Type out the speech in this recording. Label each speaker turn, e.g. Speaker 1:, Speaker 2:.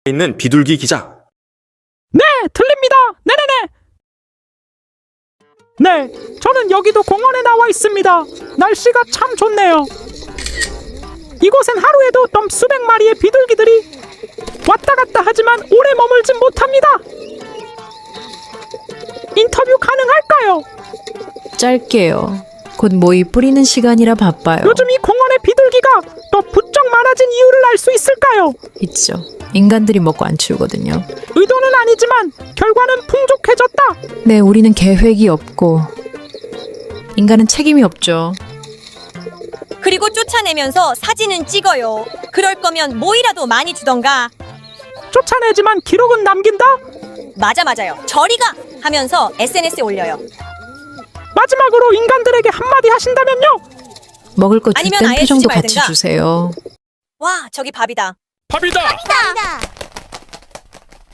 Speaker 1: 있는 비둘기 기자.
Speaker 2: 네, 들립니다. 네네네. 네, 저는 여기도 공원에 나와 있습니다. 날씨가 참 좋네요. 이곳엔 하루에도 수백 마리의 비둘기들이 왔다 갔다 하지만 오래 머물진 못합니다. 인터뷰 가능할까요?
Speaker 3: 짧게요. 곧 모이 뿌리는 시간이라 바빠요.
Speaker 2: 요즘 이 공원의 비둘기가 더 부쩍 많아진 이유를 알 수 있을까요?
Speaker 3: 있죠. 인간들이 먹고 안 치우거든요.
Speaker 2: 의도는 아니지만 결과는 풍족해졌다.
Speaker 3: 네, 우리는 계획이 없고 인간은 책임이 없죠.
Speaker 4: 그리고 쫓아내면서 사진은 찍어요. 그럴 거면 뭐이라도 많이 주던가.
Speaker 2: 쫓아내지만 기록은 남긴다?
Speaker 4: 맞아요. 저리가 하면서 SNS에 올려요.
Speaker 2: 마지막으로 인간들에게 한마디 하신다면요?
Speaker 3: 먹을 거 줄
Speaker 4: 아니면
Speaker 3: 땐
Speaker 4: 아예
Speaker 3: 표정도
Speaker 4: 주지
Speaker 3: 같이
Speaker 4: 말든가.
Speaker 3: 주세요.
Speaker 4: 와, 저기 밥이다.
Speaker 2: 밥이다!
Speaker 4: 밥이다.